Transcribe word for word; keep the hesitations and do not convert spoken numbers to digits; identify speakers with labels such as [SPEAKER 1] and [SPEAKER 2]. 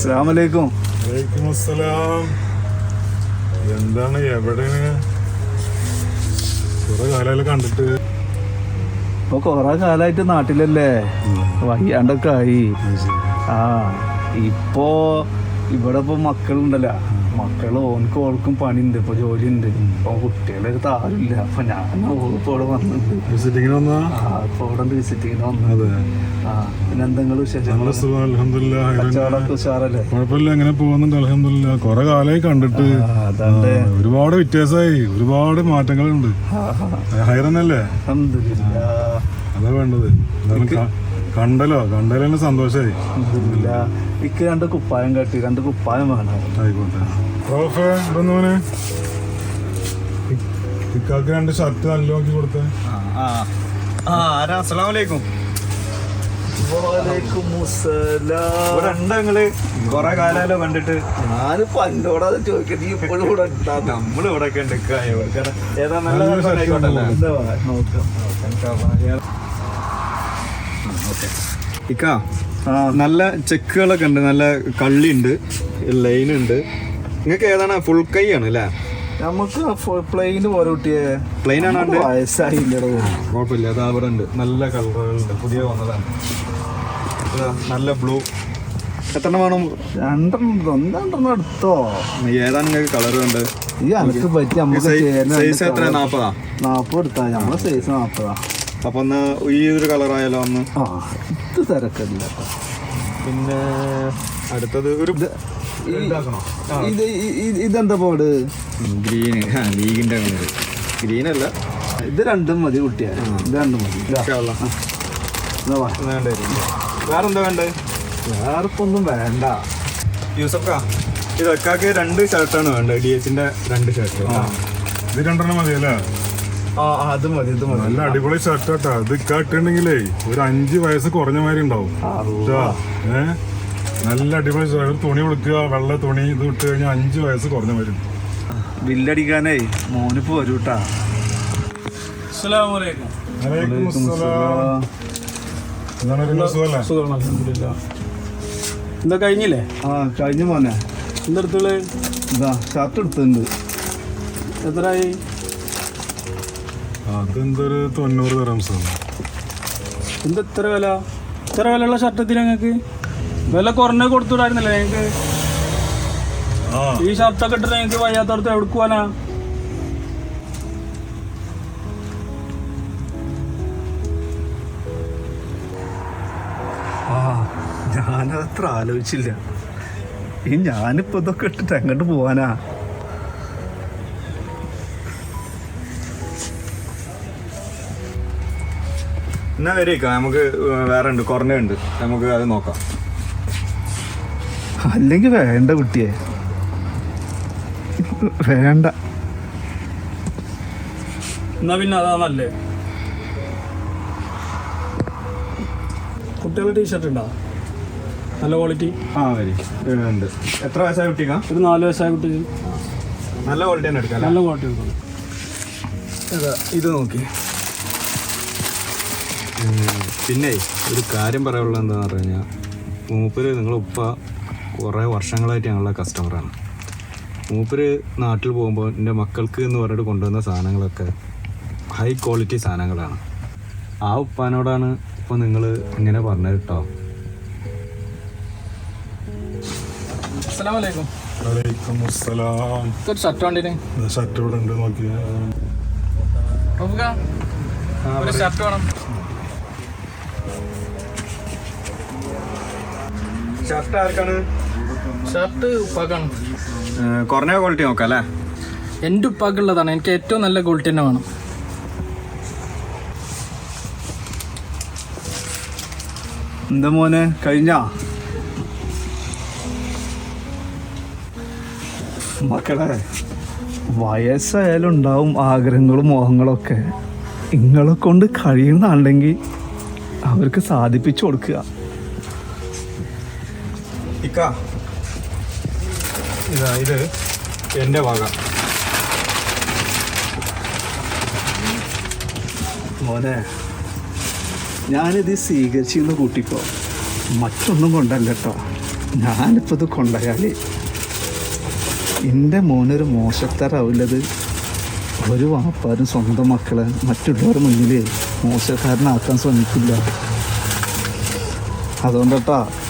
[SPEAKER 1] അസ്സലാമലൈക്കും.
[SPEAKER 2] വലൈക്കും അസ്സലാം. എന്താണ് എവിടെയാണ്? കുറെ കാലം കണ്ടിട്ട്.
[SPEAKER 1] ഇപ്പൊ കൊറേ കാലായിട്ട് നാട്ടിലല്ലേ, വയ്യാണ്ടൊക്കെ ആയി. ആ ഇപ്പോ ഇവിടെ ഇപ്പൊ മക്കളുണ്ടല്ലോ, മക്കള് ഓനക്ക് ഓൾക്കും പണിയുണ്ട്, ഇപ്പൊ ജോലി ഉണ്ട്. ഇപ്പൊ കുട്ടികളൊക്കെ ആരുമില്ല. അപ്പൊ ഞാൻ ഓളിപ്പോ ഇവിടെ വന്നിട്ടുണ്ട്.
[SPEAKER 2] വിസിറ്റിങ്ങിന് വന്നാ?
[SPEAKER 1] ആ ഇപ്പൊ ഇവിടെ വിസിറ്റിങ്ങിന് വന്നത്. ആ പിന്നെ എന്തെങ്കിലും വിശേഷങ്ങൾ? കച്ചവടമൊക്കെ ഉഷാറല്ലേ?
[SPEAKER 2] കുഴപ്പമില്ല, എങ്ങനെ പോകുന്നുണ്ട് അൽഹംദുലില്ലാ. കുറെ കാലമായി കണ്ടിട്ട്. ഒരുപാട് വ്യത്യാസമായി, ഒരുപാട് മാറ്റങ്ങളുണ്ട്. ഹൈറന്നല്ലേ? അതാ വേണ്ടത്. കണ്ടല്ലോ, കണ്ടല്ലോ തന്നെ സന്തോഷായി.
[SPEAKER 1] എനിക്ക് രണ്ട് കുപ്പായം കെട്ടി, രണ്ട് കുപ്പായം വേണം.
[SPEAKER 2] ആയിക്കോട്ടെ. ഇക്കാക്ക് രണ്ട് ഷർട്ട് നല്ല നോക്കി കൊടുത്തേ.
[SPEAKER 3] കൊറേ കാലല്ലോ കണ്ടിട്ട്.
[SPEAKER 1] ഞാന് പണ്ടോടാ ചോദിക്കട്ടെ, ഇപ്പോഴും ഇവിടെ
[SPEAKER 3] നമ്മള് ഇവിടെ ഒക്കെ ഉണ്ട്. ഏതാ നല്ല ഇക്ക നല്ല ചെക്കുകളൊക്കെ ഉണ്ട്, നല്ല കള്ളി ഉണ്ട്, ലൈൻ ഉണ്ട്. നിങ്ങൾക്ക് ഏതാണ്? ഫുൾ കൈ ആണ് അല്ലേ?
[SPEAKER 1] നമുക്ക് പ്ലെയിന് പോലെ കുട്ടിയെ.
[SPEAKER 3] പ്ലെയിൻ ആണ്.
[SPEAKER 1] വയസ്സായില്ലടോ.
[SPEAKER 3] കുഴപ്പമില്ല, അത് അവിടെ ഉണ്ട്. നല്ല കളറുകളുണ്ട്, പുതിയ വന്നതാണ്. നല്ല ബ്ലൂ. എത്ര വേണം?
[SPEAKER 1] രണ്ടെണ്ണം ഒന്നെണ്ണം എടുത്തോ.
[SPEAKER 3] ഏതാണ് നിങ്ങൾക്ക് കളർ ഉണ്ട്?
[SPEAKER 1] ഈ അനക്ക് പറ്റി
[SPEAKER 3] സൈസ് എത്ര? നാപ്പതാ?
[SPEAKER 1] നാപ്പത് എടുത്താ. നമ്മളെ സൈസ് നാപ്പതാ.
[SPEAKER 3] അപ്പൊ ഒന്ന് ഈ ഒരു കളറായാലോ ഒന്ന്?
[SPEAKER 1] ആ ഇത് തിരക്കില്ല.
[SPEAKER 3] പിന്നെ അടുത്തത് ഒരു
[SPEAKER 1] ഇത് ഇതെന്താ പോട്?
[SPEAKER 3] ഗ്രീൻ. ലീഗിന്റെ ഗ്രീൻ അല്ല,
[SPEAKER 1] ഇത് രണ്ടും മതി കുട്ടിയാ. ഇത് രണ്ടും മതി.
[SPEAKER 3] വേറെന്താ വേണ്ടത്?
[SPEAKER 1] വേറെ ഇപ്പൊ ഒന്നും വേണ്ട.
[SPEAKER 3] യൂസഫാ, ഇതൊക്കെ രണ്ട് ഷർട്ടാണ് വേണ്ടത്. ഡി എച്ചിന്റെ രണ്ട് ഷർട്ട്.
[SPEAKER 2] ഇത് രണ്ടെണ്ണം മതിയല്ലേ?
[SPEAKER 1] ആ അത് മതി, ഇത് മതി.
[SPEAKER 2] നല്ല അടിപൊളി ഷർട്ട് കേട്ടാ. ഇത് ഇട്ടിട്ടുണ്ടെങ്കിലേ ഒരു അഞ്ച് വയസ്സ് കുറഞ്ഞ മാതിരി ഉണ്ടാവും. ഏഹ് നല്ല അടിപൊളി ഷർട്ട്. തുണി കൊടുക്കുക, വെള്ള തുണി. ഇത് ഇട്ട് കഴിഞ്ഞാൽ അഞ്ച് വയസ്സ് കുറഞ്ഞ മാതിരി.
[SPEAKER 1] ബില്ലടിക്കാനേ മോനിപ്പോ വരൂട്ടാ.
[SPEAKER 4] എന്താ കഴിഞ്ഞില്ലേ?
[SPEAKER 1] ആ കഴിഞ്ഞു മോനെ.
[SPEAKER 4] എന്തെടുത്തുള്ളു?
[SPEAKER 1] ഇതാ ഷർട്ട് എടുത്തിട്ടുണ്ട്.
[SPEAKER 4] എത്രയായി?
[SPEAKER 2] അതെന്തൊരു തൊണ്ണൂറ് ദിർഹംസ്.
[SPEAKER 4] എന്താ ഇത്ര വില? ഇത്ര വിലയുള്ള ഷർട്ടത്തിന് ഞങ്ങൾക്ക് വില കുറഞ്ഞ കൊടുത്തുവിടായിരുന്നല്ലേ ഞങ്ങൾക്ക്? ഈ ഷർട്ടൊക്കെ ഇട്ടിട്ട് ഞങ്ങൾക്ക് വയ്യാത്തടത്ത് എവിടെ പോവാനാ?
[SPEAKER 1] ആ ഞാനത്ര ആലോചിച്ചില്ല. ഈ ഞാനിപ്പോ ഇതൊക്കെ ഇട്ടിട്ട് എങ്ങോട്ട് പോവാനാ?
[SPEAKER 3] എന്നാ വരേക്ക, നമുക്ക് വേറെ ഉണ്ട്, കുറഞ്ഞുണ്ട്, നമുക്ക് അത് നോക്കാം.
[SPEAKER 1] അല്ലെങ്കിൽ വേണ്ട കുട്ടിയെ, വേണ്ട.
[SPEAKER 4] എന്നാ പിന്നെ അതാ നല്ലേ. കുട്ടികളുടെ ടീഷർട്ട് ഉണ്ടോ നല്ല ക്വാളിറ്റി?
[SPEAKER 3] ആ വരി ഉണ്ട്. എത്ര വയസ്സായ കുട്ടിക്കാ?
[SPEAKER 4] ഒരു നാല് വയസ്സായ കുട്ടിക്ക്
[SPEAKER 3] നല്ല ക്വാളിറ്റി തന്നെ എടുക്കാം.
[SPEAKER 4] നല്ല ക്വാളിറ്റി എടുക്കണം.
[SPEAKER 3] ഇത് നോക്കി. പിന്നെ ഒരു കാര്യം പറയാനുള്ളത് എന്താണെന്ന് പറഞ്ഞു കഴിഞ്ഞാൽ, മൂപ്പര് നിങ്ങളുടെ ഉപ്പ കുറേ വർഷങ്ങളായിട്ട് ഞങ്ങളുടെ കസ്റ്റമറാണ്. മൂപ്പര് നാട്ടിൽ പോകുമ്പോൾ എൻ്റെ മക്കൾക്ക് എന്ന് പറഞ്ഞിട്ട് കൊണ്ടുവന്ന സാധനങ്ങളൊക്കെ ഹൈ ക്വാളിറ്റി സാധനങ്ങളാണ്. ആ ഉപ്പാനോടാണ് ഇപ്പോൾ നിങ്ങൾ ഇങ്ങനെ പറഞ്ഞത് കേട്ടോ.
[SPEAKER 4] അസ്സലാമലൈക്കും.
[SPEAKER 2] വലൈക്കും അസ്സലാം.
[SPEAKER 4] ഒരു ഷർട്ട് വേണ്ടിന്.
[SPEAKER 2] ഷർട്ട് ഇവിടെ ഉണ്ട്, നോക്കിയാ.
[SPEAKER 4] ഒരു ഷർട്ട് വേണം.
[SPEAKER 3] ഷർട്ട് ആർക്കാണ്?
[SPEAKER 4] ഷർട്ട് ഉപ്പാക്കാണ്.
[SPEAKER 3] കുറഞ്ഞ ക്വാളിറ്റി നോക്കാം അല്ലേ?
[SPEAKER 4] എൻ്റെ ഉപ്പാക്കുള്ളതാണ്. എനിക്ക് ഏറ്റവും നല്ല ക്വാളിറ്റി തന്നെ വേണം.
[SPEAKER 1] എന്താ മോനെ കഴിഞ്ഞാ? മക്കളെ വയസ്സായാലും ഉണ്ടാവും ആഗ്രഹങ്ങളും മോഹങ്ങളൊക്കെ. നിങ്ങളെ കൊണ്ട് കഴിയുന്നുണ്ടെങ്കിൽ അവർക്ക് സാധിപ്പിച്ചു കൊടുക്കുക.
[SPEAKER 3] ഇക്ക ഇതാ, ഇത് എൻ്റെ വക.
[SPEAKER 1] മോനെ ഞാനിത് സ്വീകരിച്ചിരുന്ന കൂട്ടിക്കോ, മറ്റൊന്നും കൊണ്ടല്ല കേട്ടോ. ഞാനിപ്പോൾ ഇത് കൊണ്ടുപോയാൽ എൻ്റെ മോനൊരു മോശക്കാരാവില്ലത്. ഒരു വാപ്പാരും സ്വന്തം മക്കളെ മറ്റുള്ളവരുടെ മുന്നിൽ മോശക്കാരനാക്കാൻ ശ്രമിക്കില്ല. അതുകൊണ്ടട്ടാ